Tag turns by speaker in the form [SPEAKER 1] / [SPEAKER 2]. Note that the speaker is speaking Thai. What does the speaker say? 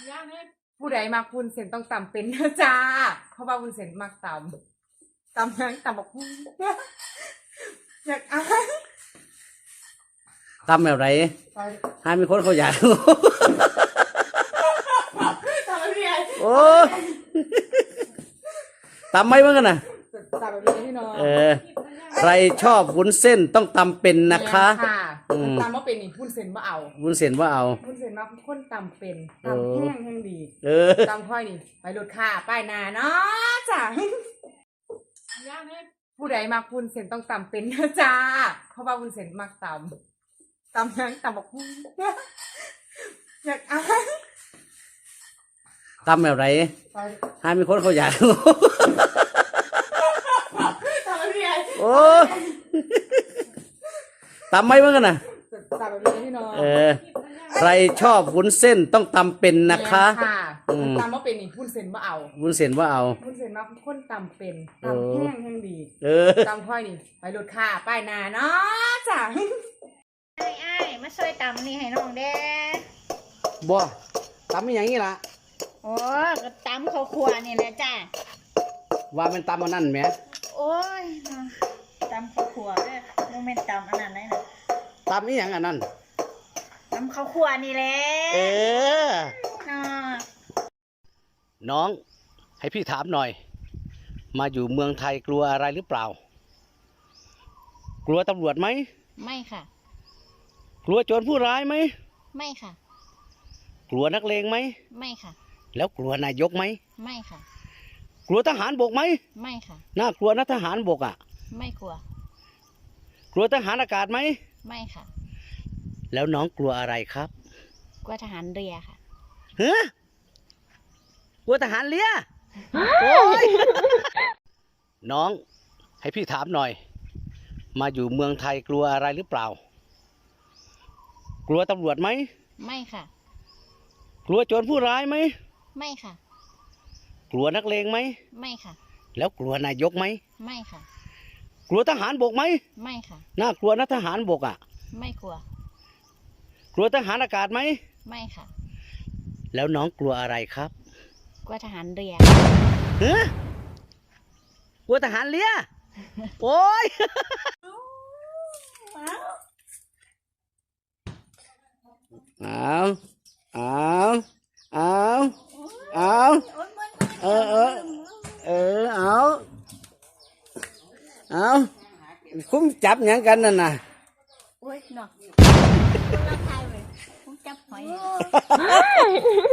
[SPEAKER 1] ผู้ใดมักวุ้นเส้นต้องตำเป็นนะจ้าเพราะว่าวุ้นเส้นมักตยังตำบักหุ่งอยากอ่าน
[SPEAKER 2] ตำแบบไรให้มีคนเขาอยาก
[SPEAKER 1] ตำอะไร
[SPEAKER 2] โอ้ตำไม่เหมือนกันนะ
[SPEAKER 1] ตำอะไรพี่น้อง
[SPEAKER 2] ใครชอบวุ้นเส้นต้องตำเป็นนะคะ
[SPEAKER 1] ตำว่าเป็นนี่วุ้นเส้นว่าเอา
[SPEAKER 2] วุ้นเส้นว่าเอา
[SPEAKER 1] วุ้นเส้นมาคนตำเป็นตำแห้งแห้งดีตำค่อยนี่ไปรถค่าป้ายนาเนาะจ้าผู้ใดมักวุ้นเส้นต้องตำเป็นนะจ้าเพราะว่าวุ้นเส้นมักตยังตำบักหุ่งอยากอ่าน
[SPEAKER 2] ตำแบบไรให้มีคนเขาอยาก
[SPEAKER 1] ตำอะไร
[SPEAKER 2] โอ้ตำไม่เหมือนกันนะ
[SPEAKER 1] ตำอะไรพี่น้อง
[SPEAKER 2] ใครชอบวุ้นเส้นต้องตำเป็นนะคะ
[SPEAKER 1] ตำว่าเป็นนี่วุ้นเส้นว่าเอา
[SPEAKER 2] วุ้นเส้นว่าเอา
[SPEAKER 1] วุ้นเส้นมาคนตำเป็นตำแห้งแห้งดีตำค่อยนี่ไปรถค่าป้ายนาเนาะจ้า
[SPEAKER 3] ไอ้มาช่วยตำนี่ให้น้องเด้
[SPEAKER 2] บ่ตำอย่างนี้ล่ะ
[SPEAKER 3] โอ้ก็ตำข้าวคั่วนี่แหละจ้า
[SPEAKER 2] ว่าเป็นตำอันนั้นไหม
[SPEAKER 3] โอ้ยตำข้าวคั่วเด้อโมเมนต์ตำอันนั้นเลยนะ
[SPEAKER 2] ตำนี่อย่างอันนั้น
[SPEAKER 3] ตำข้าวคั่วนี่แหละน่ะ
[SPEAKER 2] น้องให้พี่ถามหน่อย มาอยู่เมืองไทยกลัวอะไรหรือเปล่า กลัวตำรวจไหม
[SPEAKER 3] ไม่ค่ะ
[SPEAKER 2] กลัวโจรผู้ร้ายไหม
[SPEAKER 3] ไม่ค่ะ
[SPEAKER 2] กลัวนักเลงไหม
[SPEAKER 3] ไม่ค่ะ
[SPEAKER 2] แล้วกลัวนายกไหม
[SPEAKER 3] ไม่ค่ะ
[SPEAKER 2] กลัวทหารบกไหม
[SPEAKER 3] ไม่ค่ะ
[SPEAKER 2] น่ากลัวนะทหารบกอ่ะ
[SPEAKER 3] ไม่กลัว
[SPEAKER 2] กลัวทหารอากาศไหม
[SPEAKER 3] ไม่ค่ะ
[SPEAKER 2] แล้วน้องกลัวอะไรครับ
[SPEAKER 3] กลัวทหารเรือค่ะ
[SPEAKER 2] ฮะกลัวทหารเรือโอ้ย น้องให้พี่ถามหน่อย มาอยู่เมืองไทยกลัวอะไรหรือเปล่า กลัวตำรวจไหม
[SPEAKER 3] ไม่ค่ะ
[SPEAKER 2] กลัวโจรผู้ร้ายไหม
[SPEAKER 3] ไม่ค่ะ
[SPEAKER 2] กลัวนักเลงไหม
[SPEAKER 3] ไม่ค่ะ
[SPEAKER 2] แล้วกลัวนายกไหม
[SPEAKER 3] ไม่ค่ะ
[SPEAKER 2] กลัวทหารบกไหม
[SPEAKER 3] ไม่ค่ะ
[SPEAKER 2] น่ากลัวนะทหารบกอ่ะ
[SPEAKER 3] ไม่กลัว
[SPEAKER 2] กลัวทหารอากาศไหม
[SPEAKER 3] ไม่ค่ะ
[SPEAKER 2] แล้วน้องกลัวอะไรครับ
[SPEAKER 3] กลัวทหารเรือ
[SPEAKER 2] ฮะกลัวทหารเรือโอ้ย เอาเอาเอาคุ้มจับอย่างกันนั่นน่ะ
[SPEAKER 3] โอ้ยเนาะเราทายเลยผมจับหอย